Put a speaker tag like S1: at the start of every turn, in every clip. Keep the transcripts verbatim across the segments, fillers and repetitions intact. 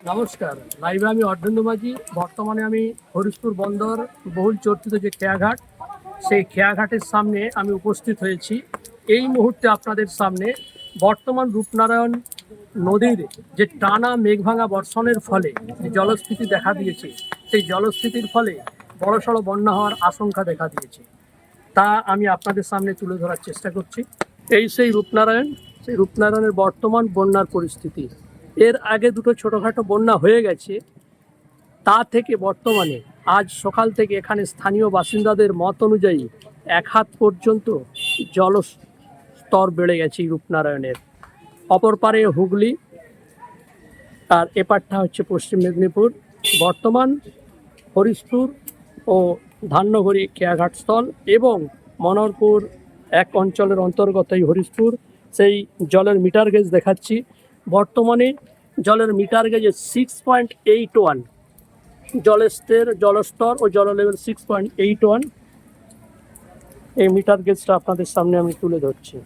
S1: নমস্কার, লাইভে আমি অর্ধেন্দু মাঝি। বর্তমানে আমি হরিশপুর বন্দর বহুল চর্চিত যে খেয়াঘাট, সেই খেয়াঘাটের সামনে আমি উপস্থিত হয়েছি। এই মুহূর্তে আপনাদের সামনে বর্তমান রূপনারায়ণ নদীর যে টানা মেঘভাঙা বর্ষণের ফলে যে জলস্ফীতি দেখা দিয়েছে, সেই জলস্ফীতির ফলে বড়সড় বন্যা হওয়ার আশঙ্কা দেখা দিয়েছে। তা আমি আপনাদের সামনে তুলে ধরার চেষ্টা করছি। এই সেই রূপনারায়ণ, সেই রূপনারায়ণের বর্তমান বন্যার পরিস্থিতি। এর আগে দুটো ছোটোখাটো বন্যা হয়ে গেছে, তা থেকে বর্তমানে আজ সকাল থেকে এখানে স্থানীয় বাসিন্দাদের মত অনুযায়ী এক হাত পর্যন্ত জলস্তর বেড়ে গেছে এই রূপনারায়ণের। অপর পারে হুগলি, আর এপারটা হচ্ছে পশ্চিম মেদিনীপুর। বর্তমান হরিশপুর ও ধান্যঘড়ি খেয়াঘাট স্থল এবং মনোহরপুর এক অঞ্চলের অন্তর্গত এই হরিশপুর, সেই জলের মিটার গেজ দেখাচ্ছি। বর্তমানে জলের মিটার গেজে সিক্স পয়েন্ট এইট ওয়ান জলস্তর জলস্তর ও জল level six point eight one. এই মিটার গেজটা আপনাদের সামনে আমি তুলে ধরছি।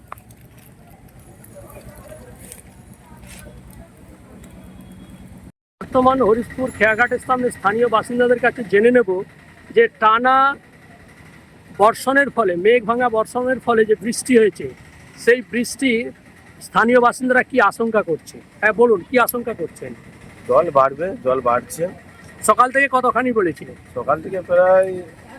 S1: বর্তমান হরিশপুর খেয়াঘাটের সামনে স্থানীয় বাসিন্দাদের কাছে জেনে নেব যে টানা বর্ষণের ফলে, মেঘ ভাঙা বর্ষণের ফলে যে বৃষ্টি হয়েছে, সেই বৃষ্টি স্থানীয় বাসিন্দারা কি আশঙ্কা করছে। হ্যাঁ বলুন, কি আশঙ্কা করছেন?
S2: জল বাড়বে, জল বাড়ছে।
S1: সকাল থেকে কতখানি বলেছিল?
S2: সকাল থেকে প্রায়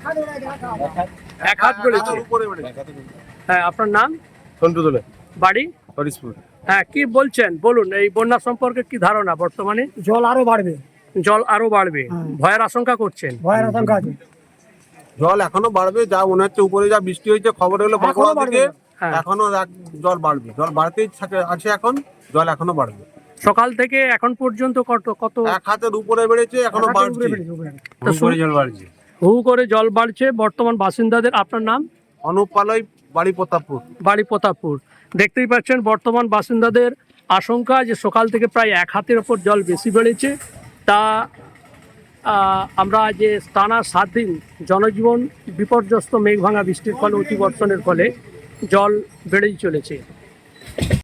S1: এক হাত বলেছে। হ্যাঁ, আপনার নাম?
S2: সন্টু দোলে,
S1: বাড়ি
S2: হরিশপুর।
S1: হ্যাঁ, কি বলছেন বলুন, এই বন্যা সম্পর্কে কি ধারণা? বর্তমানে
S3: জল আরো বাড়বে,
S1: জল আরো বাড়বে, ভয়ের আশঙ্কা করছেন?
S3: ভয়ের আশঙ্কা আছে।
S2: জল এখনো বাড়বে, যা মনে হচ্ছে উপরে যা বৃষ্টি হয়েছে খবর হলো বাঁকুড়া থেকে,
S1: হ্যাঁ।
S2: এখনো এক- জল বাড়বে, জল বাড়তেই থাকে- আছে এখন, জল এখনো বাড়বে।
S1: সকাল থেকে এখন পর্যন্ত কত কত
S2: এক হাতের উপরে বেড়েছে, এখনো
S3: উপরে
S2: বাড়ছে।
S3: বেড়েছে, উপরে।
S1: তা শুরু-
S2: জল বাড়ছে।
S1: হু করে জল বাড়ছে বর্তমান বাসিন্দাদের। আপনার নাম?
S2: অনুপ পালই, বাড়ি প্রতাপপুর।
S1: বাড়ি প্রতাপপুর। দেখতেই পাচ্ছেন বর্তমান বাসিন্দাদের আশঙ্কা যে সকাল থেকে প্রায় এক হাতের ওপর জল বেশি বেড়েছে। তা আহ, আমরা যে টানা সাত দিন জনজীবন বিপর্যস্ত, মেঘভাঙা বৃষ্টির ফলে, অতিবর্ষণের ফলে জল বেড়েই চলেছে।